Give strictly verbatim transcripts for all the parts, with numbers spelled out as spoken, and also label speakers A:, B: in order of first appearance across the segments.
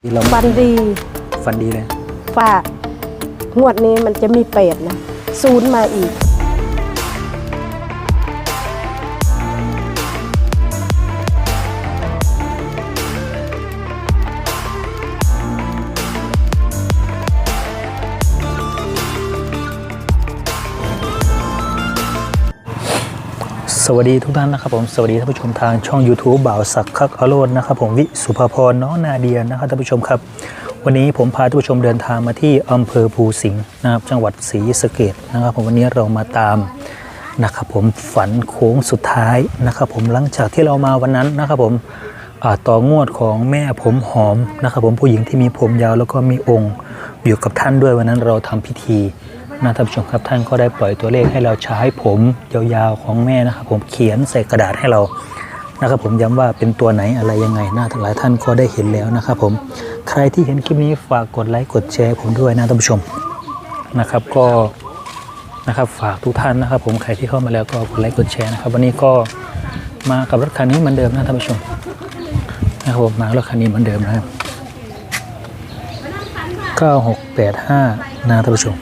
A: ฟันดี
B: ฟันดีเลย
A: ฝากงวดนี้มันจะมีเปรตนะศูนย์มาอีก
B: สวัสดีทุกท่านนะครับผมสวัสดีท่านผู้ชมทางช่อง ยูทูบ บ่าวศักดิ์คักอโรจน์นะครับผมวิสุภพรน้องนาเดียนะครับท่านผู้ชมครับวันนี้ผมพาท่านผู้ชมเดินทางมาที่อำเภอภูสิงห์นะครับจังหวัดศรีสะเกษนะครับผมวันนี้เรามาตามนะครับผมฝันโค้งสุดท้ายนะครับผมหลังจากที่เรามาวันนั้นนะครับผมต่องวดของแม่ผมหอมนะครับผมผู้หญิงที่มีผมยาวแล้วก็มีองค์อยู่กับท่านด้วยวันนั้นเราทำพิธีนะท่านผู้ชมครับท่านก็ได้ปล่อยตัวเลขให้เราใช้ผมยาวๆของแม่นะครับผมเขียนใส่กระดาษให้เรานะครับผมย้ำว่าเป็นตัวไหนอะไรยังไงนะหลายท่านก็ได้เห็นแล้วนะครับผมใครที่เห็นคลิปนี้ฝากกดไลค์กดแชร์ผมด้วยนะท่านผู้ชมนะครับก็นะครับฝากทุกท่านนะครับผมใครที่เข้ามาแล้วก็กดไลค์กดแชร์นะครับวันนี้ก็มากับรถคันนี้เหมือนเดิมนะท่านผู้ชมนะครับผมมารถคันนี้เหมือนเดิมนะครับเก้าหกแปดห้านะท่านผู้ชม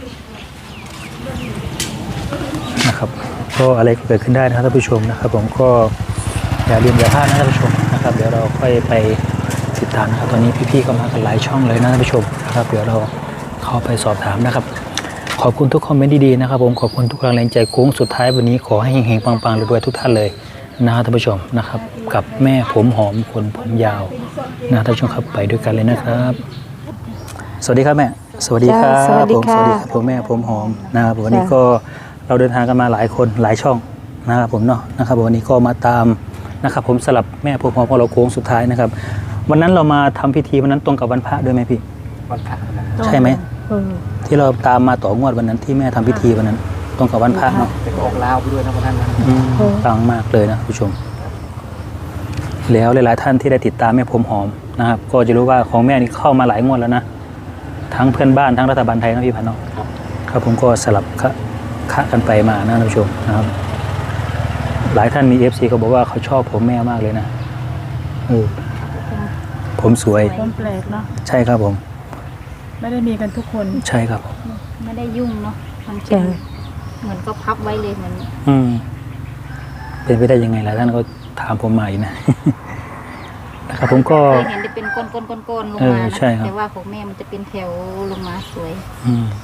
B: นะครับก็อะไรก็เกิดขึ้นได้นะครับท่านผู้ชมนะครับผมก็อย่าลืมอย่าพลาดนะท่านผู้ชมนะครับเดี๋ยวเราค่อยไปติดตามนะครับตอนนี้พี่ๆก็มากันหลายช่องเลยนะท่านผู้ชมนะครับเดี๋ยวเราเข้าไปสอบถามนะครับขอบคุณทุกคอมเมนต์ดีๆนะครับผมขอบคุณทุกแรงใจโค้งสุดท้ายวันนี้ขอให้เฮงๆปังๆรวยๆทุกท่านเลยนะครับท่านผู้ชมนะครับกับแม่ผมหอมคนผมยาวนะท่านผู้ชมครับไปด้วยกันเลยนะครับสวัสดีครับแม่สวัสดีครับผมสวัสดีครับผมแม่ผมหอมนะครับวันนี้ก็เราเดินทางกันมาหลายคนหลายช่องนะครับผมเนาะนะครับวันนี้ก็มาตามนะครับผมสลับแม่ผมพอของเราโค้งสุดท้ายนะครับวันนั้นเรามาทำพิธีวันนั้นตรงกับวันพระด้วยไหมพี่วันพระใช่ไหมที่เราตามมาต่องวดวันนั้นที่แม่ทำพิธีวันนั้นตรงกับวันพระเนาะไปออกลาวไปด้วยนะวันนั้นปังมากเลยนะผู้ชมแล้วหลายๆท่านที่ได้ติดตามแม่ผมหอมนะครับก็จะรู้ว่าของแม่นี่เข้ามาหลายงวดแล้วนะทั้งเพื่อนบ้านทั้งรัฐบาลไทยนะพี่พันธ์เนาะครับผมก็สลับคะกันไปมานะท่านผู้ชมนะครับหลายท่านมี เอฟ ซี เขาบอกว่าเขาชอบผมแม่มากเลยนะเออผมสวย
C: ผมแปลกเนาะ
B: ใช่ครับผม
C: ไม่ได้มีกันทุกคน
B: ใช่ครับ
D: ไม่ได้ยุ่งเนาะทำเช่นเหมือนก็พับไว้เลยเหมือน
B: อืมเป็นไปได้ยังไงหลายท่านก็ถามผมมาอีกนะนะครับผมก็
D: เคยเห็นจะเป็นก้นๆๆๆลงมาแต่ว่าของแม่มันจะเป็นแถวลงมาสวย
B: อืม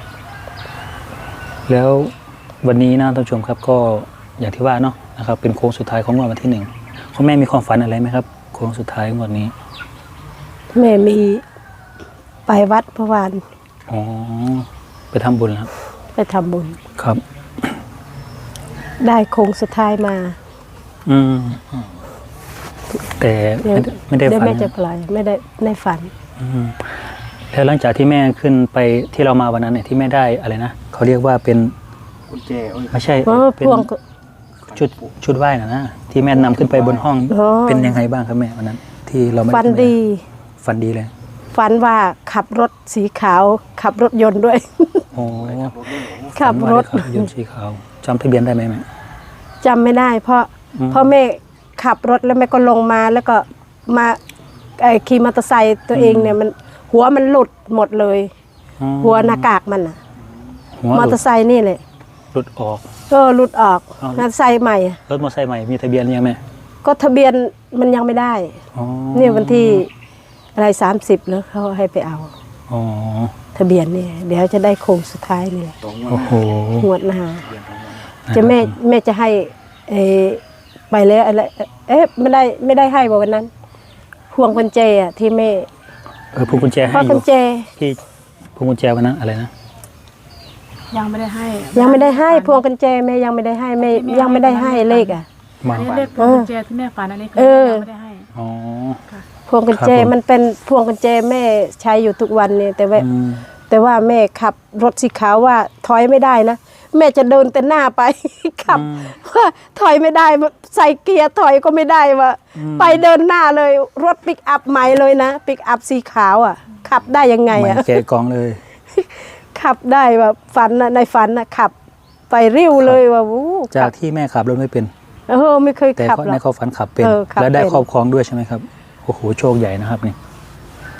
B: แล้ววันนี้นะท่านผู้ชมครับก็อย่างที่ว่าเนาะนะครับเป็นโค้งสุดท้ายของงวดวันที่หนึ่งคุณแม่มีความฝันอะไรไหมครับโค้งสุดท้ายงวดนี้
A: แม่มีไปวัดเมื่อวาน
B: อ๋อไปทำบุญครับ
A: ไปทำบุญ
B: ครับ
A: ได้โค้งสุดท้ายมา
B: อืมแต่ไม่ได้ฝัน
A: ไม่จะปล่อยไม่ได้ในฝัน
B: อืมแล้วหลังจากที่แม่ขึ้นไปที่เรามาวันนั้นเนี่ยที่แม่ได้อะไรนะเขาเรียกว่าเป็นกุญแจไม่ใช่เป็นชุดชุดไหว้นะนะที่แม่นำขึ้นไปบนห้องเป็นยังไงบ้างครับแม่วันนั้นที่เราไม่
A: ฝันดี
B: ฝันดีเลย
A: ฝันว่าขับรถสีขาวขับรถยนต์ด้วย
B: โอ้
A: ขับรถ
B: ยนต์สีขาวจำทะเบียนได้ไหมแม่
A: จำไม่ได้เพราะเพราะแม่ขับรถแล้วแม่ก็ลงมาแล้วก็มาขี่มอเตอร์ไซค์ตัวเองเนี่ยมันหัวมันหลุดหมดเลยหัวหน้ากากมันอ่ะมอเตอร์ไซค์นี่เลย
B: หลุดออก
A: ก็หลุดออกมอเตอร์ไซค์ใหม่
B: รถมอเตอร์ไซค์ใหม่มีทะเบียนยังไหม
A: ก็ทะเบียนมันยังไม่ได้นี่วันที่อะไรสามสิบแล้วเขาให้ไปเอาทะเบียนเนี่ยเดี๋ยวจะได้โค้งสุดท้ายนี่แหละ
B: โอ้โห
A: งวดหน้าจะแม่แม่จะให้เอไปแล้วอะไรเอ๊ะไม่ได้ไม่ได้ให้วันนั้นพวงกุญแจอ่ะที่แม่
B: เออพวงกุญแจให้
A: พวงกุญแจ
B: ที่พวงกุญแจวันนั้นอะไรนะ
C: ยังไม่ได้ให้
A: ยังไม่ได้ให้พวงกุญแจแม่ยังไม่ได้ให้แม่ยังไม่ได้ให้เลขอ่ะ
C: เลขพวงกุญแจที่แม่ฝันอันนี้คือยังไม่ได้ให้
B: อ๋อ
A: พวงกุญแจมันเป็นพวงกุญแจแม่ใช้อยู่ทุกวันเนี่ยแต่ว่าแต่ว่าแม่ขับรถสีขาวว่าถอยไม่ได้นะแม่จะเดินแต่หน้าไปขับว่าถอยไม่ได้ใส่เกียร์ถอยก็ไม่ได้ว่าไปเดินหน้าเลยรถปิกอัพใหม่เลยนะปิกอัพสีขาวอ่ะขับได้ยังไงอ่ะ
B: แกะกองเลย
A: ขับได้แบบฝันนะในฝันนะขับไปริ้วเลยว่าวู้
B: จากที่แม่ขับรถไม่เป็น
A: เออไม่เคยขับ
B: แต่ในเขาฝันขับเป็นแล้วได้ครอบครองด้วยใช่ไหมครับโอ้โหโชคใหญ่นะครับนี่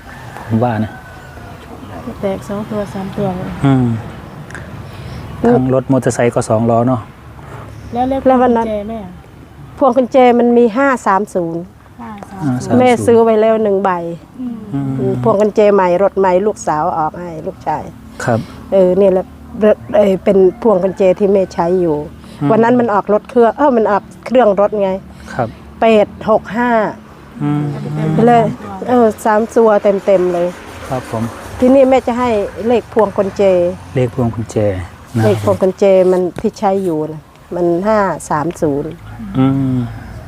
B: ผมว่านะ
C: แตกสองตัวสามตัวเลย
B: อืมทั้งรถมอเตอร์ไซค์ก็สองล้อเนาะ
C: แล้วเลข
A: แล้ววันนั้น
C: กุญแจแม่อะ
A: พวงกุญแจมันมีห้าสามศูนย์
C: ห้าสาม
B: อ่า
C: ศู
B: สาน
C: ย์
A: แม่ซื้อไว้แล้วหนึ่งใบ
C: อืม
B: อืม
A: พวงกุญแจใหม่รถใหม่ลูกสาวออกให้ลูกชาย
B: ครับ
A: เออเนี่ยแหละรถเออเป็นพวงกุญแจที่แม่ใช้อยู่
B: อืม
A: วันนั้นมันออกรถเครื่องเออมันออกเครื่องรถไง
B: ครับ
A: เป็ดหกห้า
B: อืม
A: เลยเออสามตัวเต็มเต็มๆเลย
B: ครับผม
A: ที่นี่แม่จะให้เลขพวงกุญแจ
B: เลขพวงกุญแจนะ
A: เลขพวงกุญแจมันที่ใช้อยู่นะมันห้าสามศูนย์
B: อืม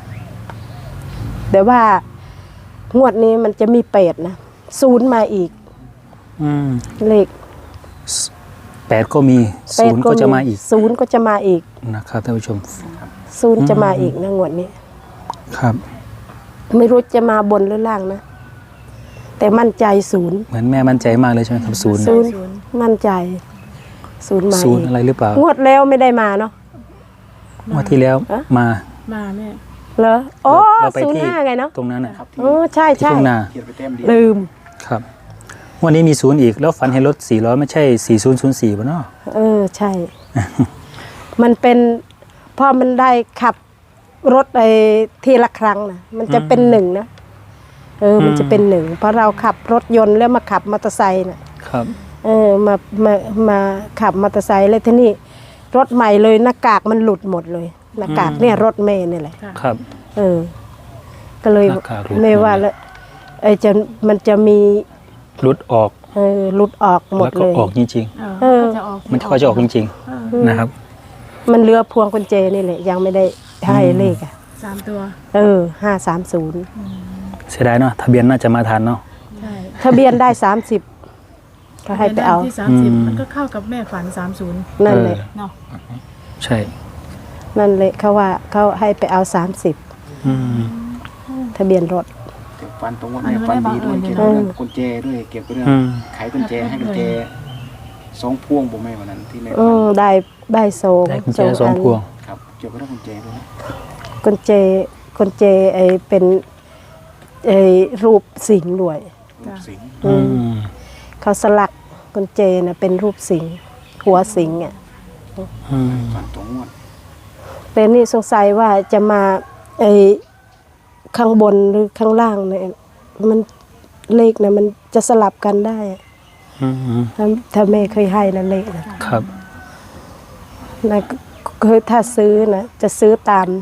A: แต่ว่างวดนี้มันจะมีเป็ดนะศูนย์มาอีก
B: อืม
A: เลข
B: แปดก็มีศูนย์ก็จะมาอีก
A: ศูนย์ก็จะมาอีก
B: นะครับท่านผู้ชม
A: ศูนย์จะมาอีกนะงวดนี้
B: ครับ
A: ไม่รู้จะมาบนหรือล่างนะ แต่มั่นใจศูนย์
B: เหมือนแม่มั่นใจมากเลยใช่ไหมครับศูนย์
A: ศูนย์มั่นใจศูนย์มา
B: ศูนย์
A: อีก
B: อะไรหรือเปล่าง
A: วดแล้วไม่ได้มาเนาะ
B: งวดที่แล้ว
A: อะ
B: มา
C: มาแม่
A: เหรออ๋อ
B: เราไป
A: ศูนย์
B: ที่
A: ห้าไงเนาะ
B: ตรงนั้นนะ
A: อ๋อใช่
B: ที่
A: ใช่
B: ทุ่งนา
A: ลืม
B: ครับวันนี้มีศูนย์อีกแล้วฝันเห็นรถสี่ล้อไม่ใช่สี่ศูนย์ศูนย์สี่ป่ะเนาะ
A: เออใช่ มันเป็นพอมันได้ขับรถไอ้ทีละครั้งนะมันจะเป็นหนึ่งนะเออ มันจะเป็นหนึ่งเพราะเราขับรถยนต์แล้วมาขับมอเตอร์ไซค์น่ะ
B: ครับ
A: เออมามามาขับมอเตอร์ไซค์เลยทีนี้รถใหม่เลยหน้ากากมันหลุดหมดเลยหน้ากากเนี่ยรถเมย์นี่แหละ
B: ครับ
A: เออ ก็เลย
B: หน้ากากหลุด
A: ไม่ว่าแล้วไอ้จะมันจะมี
B: หลุดออก
A: เออหลุดออกหมด
B: แล้วก็
A: เลย
B: ออกจริง
C: เออ
A: เออ
C: ก็จะออก
B: ๆ มันก็จะออกจริง
C: เออ
B: ๆนะครับ
A: มันเหลือพวงกุญแจนี่แหละยังไม่ได้ให้เลขอ่ะ
C: สามตัว
A: เออห้าสามศูนย์
B: เสียดายเนาะทะเบียนน่าจะมาทันเนาะ
C: ใช่
A: ทะเบียนได้สามสิบก็ให้ไปเอา
C: ที่สามสิบ
B: อืม
C: มันก็เข้ากับแม่ฝันสามศูนย์
A: นั่นแหละ
B: เออ
C: เนาะ
B: ใช่
A: นั่นแหละเขาว่าเขาให้ไปเอาสามสิบ
B: อืม
A: ทะเบียนรถ
E: ฟันตรงว่าแม่ฟันดีด้วยเกี่ยวกับเรื่องกุญแจด้วยเกี่ยวกับเรื่อง
B: อืม
E: ไขกุญแจให้กุญแจสองพวงผมไม่วันนั้นที่แม่
A: อื
E: ฟัน
A: มได้ได้โซง
B: ได้กุญแจสองพวง
E: ครับเกี่ยวกับเรื่องกุญแจด้วยนะ
A: กุญแจกุญแจไอเป็นไอรูปสิงห์ด้วย
C: จ้ะ
E: สิงห์
A: อื
B: อื
A: ม
B: ม
A: เขาสลักกุญแจนะเป็นรูปสิงห์หัวสิงห์อ่ะ
B: อืม
E: ฟันตรงงวด
A: แต่นี่สงสัยว่าจะมาไอข้างบนหรือข้างล่างเนี่ยมันเลขนะมันจะสลับกันได้อะ
B: อืม
A: ถ้าถ้าแม่เคยให้นะเลขนะครับ นะเคยถ้าซื้อนะจะซื้อตาม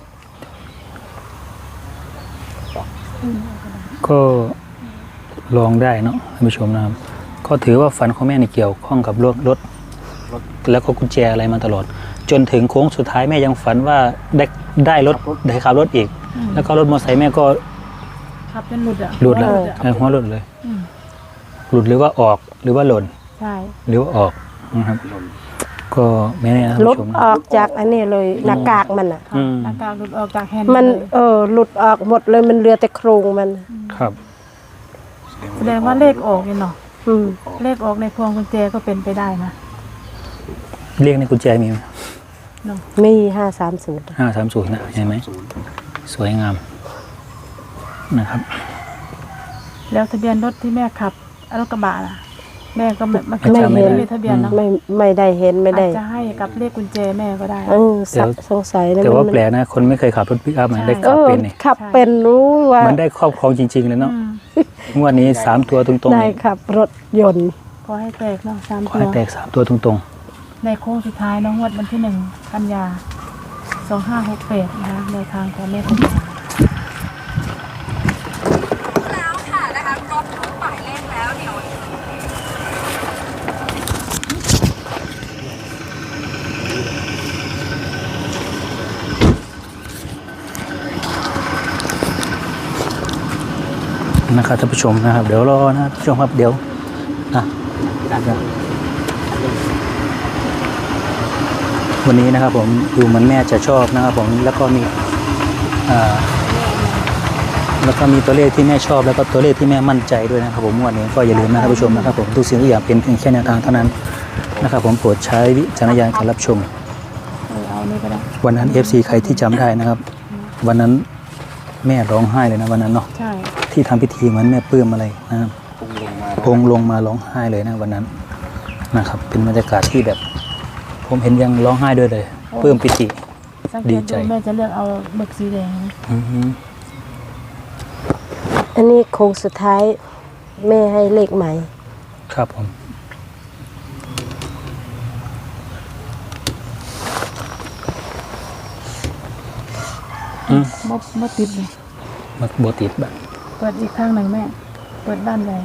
B: ก็ลองได้เนาะท่านผู้ชมนะครับ ก็ถือว่าฝันของแม่ในเกี่ยวข้องกับรถรถแล้วก็กุญแจอะไรมาตลอด จนถึงโค้งสุดท้ายแม่ยังฝันว่าได้ได้รถได้ขับรถอีก แล้วก็รถมอเตอร์ไซค์แม่ก็
C: ขับจนหลุดอ่ะ
B: หลุดแล้ว
C: หัวอะ
B: เออหัวหลุดเลย
C: อืม
B: หลุดหรือว่าออกหรือว่าหล่น
C: ใช่
B: หรือว่าออกนะครับ ก็ไม่แน่นะท่าน
A: ลด
B: ผู้ชม
A: อ
B: นะ
A: อกจากอันนี้เลยหน้ากากมันอ่ะ
C: ค่ะ
B: อืม
C: หน้ากากหลุดออกจากแฮนด์
A: มัน
C: เลย
A: เออหลุดออกหมดเลยมันเหลือแต่โครงมัน
B: ครับ
C: แสดงว่าเลขออกเนี่ยเนาะ
A: อืม
C: เลขออกในพวงกุญแจก็เป็นไปได้นะ
B: เรียกในกุญแจมีไหม
C: เนาะ
A: มีห้าสามศูนย์
B: ห้าสามศูนย์นะเห็นไหม
E: ศูนย์
B: สวยงามนะครับ
C: แล้วทะเบียนรถที่แม่ขับรถกระบะล่ะแม่ก็ไม่ไม่
B: ไม่
C: ไม่
B: จำไม่
C: เห็น
B: ได้
C: มีทะเบียนเนาะ
A: ไม่ไม่ได้เห็นไม่ได้
C: อาจจะให้กับเลขกุญแจแม่ก็ได้
A: เออสักสงสัยนะ
B: แต่ว่า
A: มัน
B: แปลกนะ คนไม่เคยขับรถปิกอัพมันได้
A: เอ
B: ขับ
A: อ
B: เป็นนี่
A: ขับเป็นรู้ว่า
B: มันได้ครอบครองจริง ๆ เลยเนาะ
C: อืม
B: งวดนี้สามตัวตรงๆ
A: ได้
B: นี่
A: ขับรถยนต์
C: ขอให้แตกเนาะสาม
B: ขอ
C: ตัว
B: ให้แตกสามตัวตรง
C: ในโค้งสุดท้ายเน้องงวดวันที่หนึ่งกันยาสองห้าหกแปดนะคะในทางของแม่คุณ
F: แล้วค่ะนะคะครบทุกหมายเลขแล้วเดี๋ยว
B: ๆนะครับท่านผู้ชมนะครับ เดี๋ยวรอนะครับท่านผู้ชมครับเดี๋ยวอ่ะวันนี้นะครับผมดูเหมันแม่จะชอบนะครับผมแล้วก็มีอ่าแล้วก็มีตัวเลขที่แม่ชอบแล้วก็ตัวเลขที่แม่มั่นใจด้วยนะครับผมวันนี้ก็อย่าลืมนะท่านผู้ชมนะครับผมทุกสิ่งทุกอย่างเป็นเพียงแค่แนวทางเท่านั้นนะครับผมโปรดใช้วิจารณญาณการรับชม
C: เออเอานี่ก็ได้
B: วันนั้น เอฟ ซี ใครที่จำได้นะครับ วันนั้นแม่ร้องไห้เลยนะวันนั้นเนาะ
C: ใช่
B: ที่ทำพิธีเหมือนแม่ปลื้มอะไรนะครับ
E: พุ่งลงมา
B: พงลงมาร้องไห้เลยนะวันนั้นนะครับ เป็นบรรยากาศที่แบบ ผมเห็นยังร้องไห้ด้วยเลยปลื้มปิติ
C: สังเก
B: ดี
C: ต
B: ใจ
C: ดูแม่จะเลือกเอาหมึกสีแดงนะ
B: อือฮึ
A: อันนี้โค้งสุดท้ายแม่ให้เลขใหม่
B: ครับผม อืม
C: มดมดติดเลย
B: มักโบติดแบบ
C: เปิดอีกข้างหนึ่งแม่ เปิดด้านใด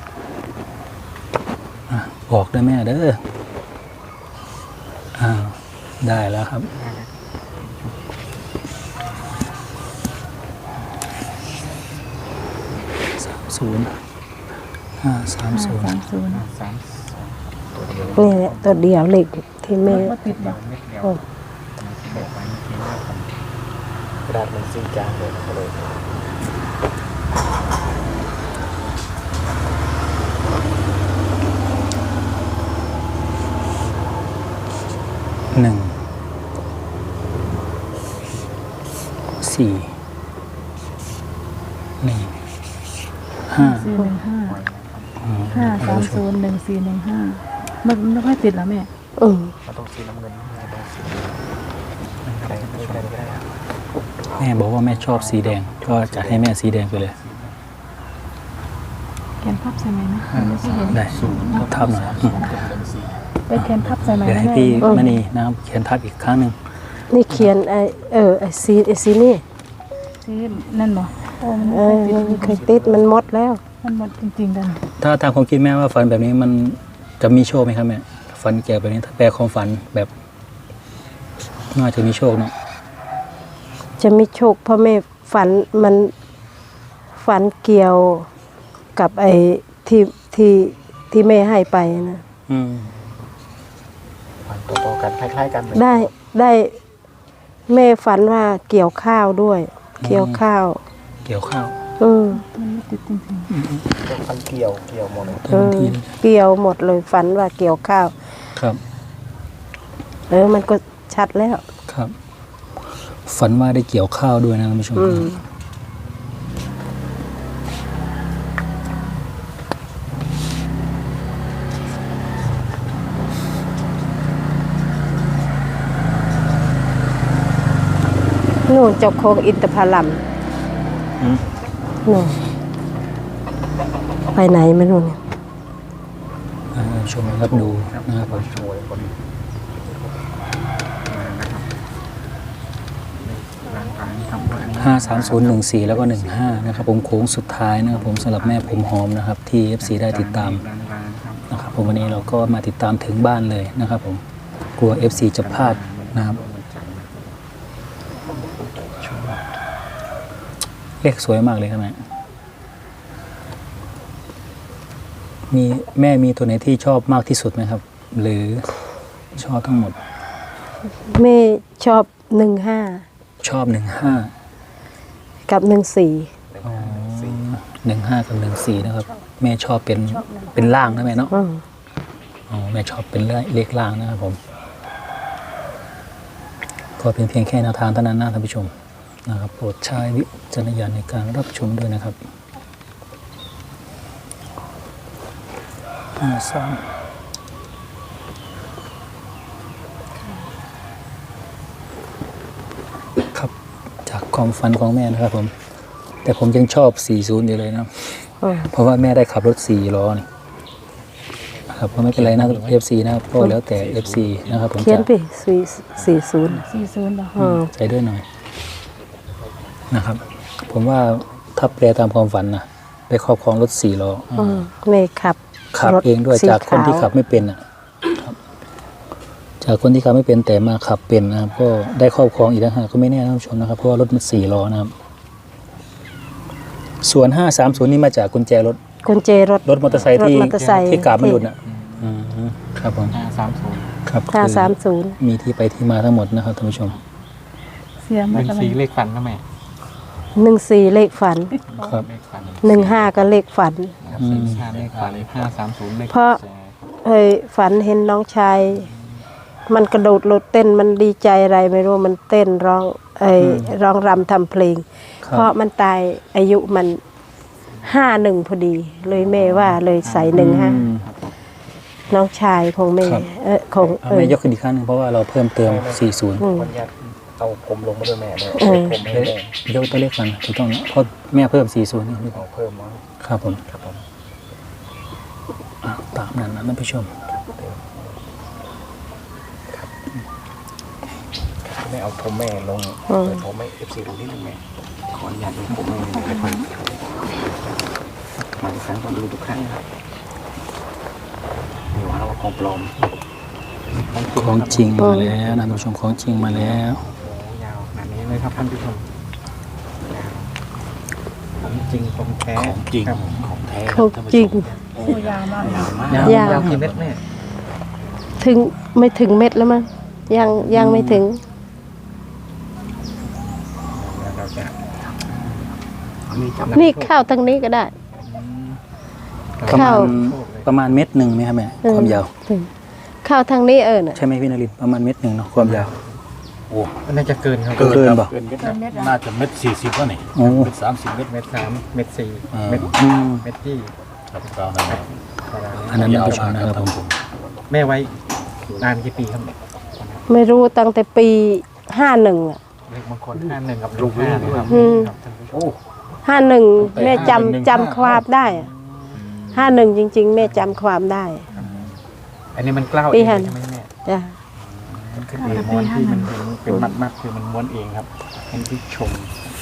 B: อ่ะบอกด้วยแม่เด้ออ้าวได้แล้วครับ สามศูนย์ห้าสาม
C: ห้า
B: ศูนย์
C: สามศูนย์
E: สาม
A: นี่แหละตัวเดียวเลขที่แม่
C: มดติดบ่
E: เม็ดเดียว
A: โอ้
E: บอกไว้เมื่อกี้ว่าผมกระดาษมันซีจางเลยก็เลย
B: หนึ่งสี่หนึ่งห้า
C: สี่หนึ่งห้าห้าสามศูนย์หนึ่งสี่หนึ่งห้ามันไม่ค่อยติดแล้วแม่
A: อืม
E: มันต้องสีน้ำเงินไม่ต้องสีอะไรไม่ได้ไม่ได้
B: แม่บอกว่าแม่ชอบสีแดง ก็จัดให้แม่สีแดงไปเลย
C: แขนพับใส่ไหมนะไม่ใช่เห็น
B: ได้ทับหน่อยอืม
C: ไปแขนพับใส่ไหม
B: เดี๋ยว
C: นะ
B: ให้
C: แม่
B: พี่มณีนะครับเขียนทับอีกครั้งหนึ่ง
A: นี่เขียนไอเออไอซีไอซีนี่
C: ที่นั่นบ่โอ้มัน
A: เอ
C: ไม่
A: อ
C: ค่อยติด
A: มันเคยติดมันหมดแล้ว
C: มันหมดจริงๆกัน
B: ถ้าตามความคิดแม่ว่าฝันแบบนี้มันจะมีโชคไหมครับแม่ฝันเกี่ยวแบบนี้ถ้าแปลความฝันแบบน่าจะมีโชคเนาะ
A: จะมีโชคเพราะแม่ฝันมันฝันเกี่ยวกับไอ้ที่ที่ที่แม่ให้ไปนะ
B: อืม
E: ฝันต่อๆกันคล้ายๆกันเลย
A: ได้ได้แม่ฝันว่าเกี่ยวข้าวด้วย เกี่ยวข้าว
B: เกี่ยวข้าว
A: อืม
C: มันไม่ติดจริง
E: ก็ฟันเกี่ยวเกี่ยวหมดเลย
B: เต็มที่เลย
A: เกี่ยวหมดเลยฝันว่าเกี่ยวข้าว
B: ครับ
A: เออมันก็ชัดแล้ว
B: ครับ ฝันว่าได้เกี่ยวข้าวด้วยนะท่านผู้ชม
A: อืมนู่นเจ้าโคงอินทผลัม
B: อืม
A: นู่นไปไหนไม่รู้เนี่ย
B: อ่าท่านผู้ชมนะครับดูนะครับผม
E: สวยคนร่างกายทำด้วยอันนี้
B: ห้าสามศูนย์หนึ่งสี่แล้วก็หนึ่งห้านะครับผมโค้งสุดท้ายนะครับผมสำหรับแม่ผมหอมนะครับ ที่ เอฟ ซี ได้ติดตาม
E: ร้านๆครับ
B: นะครับผมวันนี้เราก็มาติดตามถึงบ้านเลยนะครับผมกลัว เอฟ ซี จะพลาดนะครับเลขสวยมากเลยครับแม่มีแม่มีตัวไหนที่ชอบมากที่สุดไหมครับ หรือชอบทั้งหมด
A: แม่ชอบหนึ่งห้า
B: ชอบหนึ่งห้า
A: กับหนึ่งสี่
B: หนึ่งห้ากับหนึ่งสี่นะครับ แม่ชอบเป็นเป็นล่างนะแม่เนาะ
A: อืม
B: อ๋อแม่ชอบเป็นเลขล่างนะครับผม ก็เป็นเพียงแค่แนวทางเท่านั้นนะท่านผู้ชมนะครับโปรดใช้วิจารณญาณในการรับชมด้วยนะครับห้าสามครับจากความฝันของแม่นะครับผม แต่ผมยังชอบสี่สิบอยู่เลยนะ
A: อืม
B: เพราะว่าแม่ได้ขับรถสี่ล้อนี่ครับก็ไม่เป็นไรนะ เอฟ ซี นะครับก็แล้วแต่ เอฟ ซี นะครับผม
A: เขียน
B: จะ
A: ไปสี่สี่ศูนย์
C: ๆสี่ศูนย์บ่
A: อืม
B: ใจด้วยหน่อยนะครับ ผมว่าถ้าแปลตามความฝันนะได้ครอบครองรถสี่ล้อ
A: อืมแม่ขับ
B: ขับ
A: รถ
B: เองด้วย
A: สี
B: จากคนที่
A: ขาว
B: ขับไม่เป็นอ่ะครับ จากคนที่ขับไม่เป็นแต่มาขับเป็นนะครับ ก็ได้ครอบครองอีกแล้วฮะก็ไม่แน่นะท่านผู้ชมนะครับเพราะว่ารถมันสี่ล้อนะครับ ส่วนห้าสามศูนย์นี่มาจากกุญแจรถ
A: กุญแจรถ
B: รถมอเตอร์ไซค์ที่
A: รถมอเตอร์ไซค์
B: ที่กาบไม่หลุดอ่ะอืมครับผม
E: ห้าสามศูนย์
B: ครับ
A: ห้า
B: คือ
A: สามศูนย์
B: มีที่ไปที่มาทั้งหมดนะครับท่านผู้ชม
C: เสีย
E: ห
C: มา
E: นึ่ง
C: ตะ
E: สี
C: วัน
E: เลขฟันนะแม่
A: หนึ่งสี่เลขฝัน
B: ครับ
E: เลขฟัน
A: หนึ่งห้าก็เลขฝัน
E: ครับสี่ห้าเลขฟันห้าสามศูนย์เลข
A: เพราะ เฮ้ยฝันเห็นน้องชาย มันกระโดดโลดเต้นมันดีใจอะไรไม่รู้มันเต้นร้องเอ้ยร้องรำทำเพลง
B: ครับ
A: เพราะมันตายอายุมันห้าหนึ่งพอดี เลยแม่ว่าเลยใส่หนึ่งห้า
B: อืม
A: น้องชายของแม่
B: ครับ
A: เออของ
B: เอา
A: เออ
B: แม่ยกขึ้นอีกครั้งหนึงเพราะว่าเราเพิ่มเติมสี่สิบ
A: อืม
E: คนยัดเอาผมลงมาด้วยแม่เลย
A: อืม
E: ผมไม่ได้
B: ยกตัวเลขก่อนถูกต้องนะเพราะแม่เพิ่มสี่สิบนี่
E: เอาเพิ่มมา
B: ครับผม
E: ครับผม
B: อ่ะตามนั้นนะท่านผู้ชม
E: แม่เอาผมแม่ลง
A: อืม
E: เปิดผมให้เอฟซีดูนิดนึงแม่ขออนุญาตลงผมแม่หน่อยนะครับมาอีกครั้งก็ดูทุกครั้งครับมีว่าเราของปลอม
B: ของจริงมาแล้วนะท่านผู้ชมของจริงมาแล้ว
E: โอ้ยาวขนาดนี้เลยครับท่านผู้ชมยาวของจริงของแท้
G: ของจริง
E: ครับ
G: ของแท้
A: ของจริง
C: โอ้ยาวมาก
G: ยาวมาก
E: ยาวย
A: าว
E: ยาวกี่เม็ดแม่
A: ถึงไม่ถึงเม็ดแล้วมั้งยังยังไม่ถึง
E: แล้วเราจะนี่จำ
A: นี่เข้าทางนี้ก็ได้
B: ประมา
A: เข้า
B: ณประมาณเม็ดหนึ่งไหมครับแม่ความยาว
A: ถึงเข้าทางนี้เออน่ะ
B: ใช่ไหมพี่นรินทร์ประมาณเม็ดหนึ่งเนาะความยาว
G: โอ้
E: น่าจะเกินครับ
B: เกินเปล่า
G: เกินเม็ดนะน่าจะเม็ดสี่สิบแล้วนี่
B: โอ้
G: เม็ดสามสิบเม็ด
E: เม็ดสามเม็ดสี่
G: อ่า
E: เม็ด
B: อืม
E: เม็ดที่
G: ครับตามนั้นนะ
E: ประมาณ
B: อันนั้นท่านผู้ชมนะครับผม
E: แม่ไว้นานกี่ปีครับ
A: ไม่รู้ตั้งแต่ปีห้าหนึ่งอ่ะ
E: เลขบางคนห้าหนึ่งกับลูกห้านะครับ
A: อืม
E: ครับท่านผู้ชม
G: โอ้
A: ห้าหนึ่ง
G: ไป
A: แม่
G: ห้าหนึ่ง
A: จำจำความได้อะห้าหนึ่งจริง ๆ แม่จำความได้
E: อันนี้มันกล้าว
A: ปี
E: เอง
A: ห้า
E: ใช่ไหมแม่
A: จ้ะ
E: มันคือเองม้วนที่มันเป็นเป็นมัดมัดๆคือมันม้วนเองครับให้ที่ชม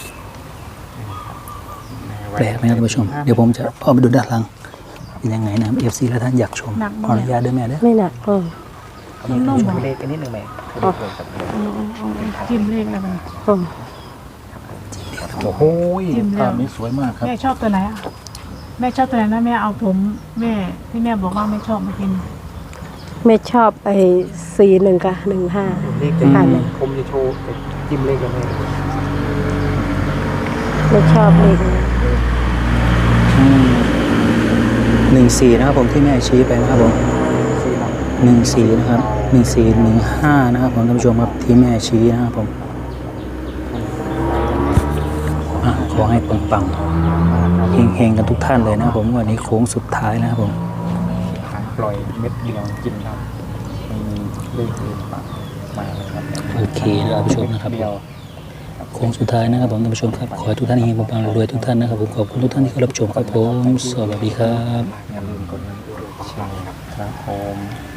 B: แปลกไหมครับท่านผู้ชม เดี๋ยวผมจะพอไปดูด้านหลังเป็นยังไงนะครับเอฟซีและท่านอยากชมขออนุญาตด้วยแม่เด้อ
A: ไม่หนักเออ
C: นุ่มๆ
E: ช
C: อ่ะ
E: มเลขกันนิดหนึ่งแม่เลขเลยครับ
C: จิ้มเลขอะไรมัน
A: เออ
G: โอ้โห
C: จิ้มแล้ว
G: ภาพนี้สวยมากครับ
C: แม่ชอบตัวไหนอ่ะแม่ชอบตัวไหนนะแม่เอาผมแม่ที่แม่บอกว่าไม่ชอบมากิน
A: แม่ชอบไอ้สี่หนึ่งกับหนึ่งห้า
E: เลขจะ
A: อ่านเลย
E: ผมจะโชว์แต่จิ้มเลขกันแม่
A: ไม่ชอบเลขนี้
B: หนึ่งสี่นะครับผมที่แม่ชี้ไปนะครับผม
E: สี่หลัก
B: หนึ่งสี่นะครับหนึ่งสี่หนึ่งห้านะครับผมท่านผู้ชมครับที่แม่ชี้นะครับผมอ่ะขอให้ปังๆเฮงๆกันทุกท่านเลยนะครับผมวันนี้โค้งสุดท้ายนะครับผม
E: หางปล่อยเม็ดเดียวกินครับไม่มีเลขอื่นมามาเลยครับ
B: โอเคนะท่านผู้ชมนะครับ
E: เดียว
B: โค้งสุดท้ายนะครับผมท่านผู้ชมครับขอให้ทุกท่านเฮงๆปังๆรวยๆทุกท่านนะครับผมขอบคุณทุกท่านที่เข้ารับชมครับผมสวัสดีครับ
E: อย่าลืมกดไลค์กดแชร์ครับผม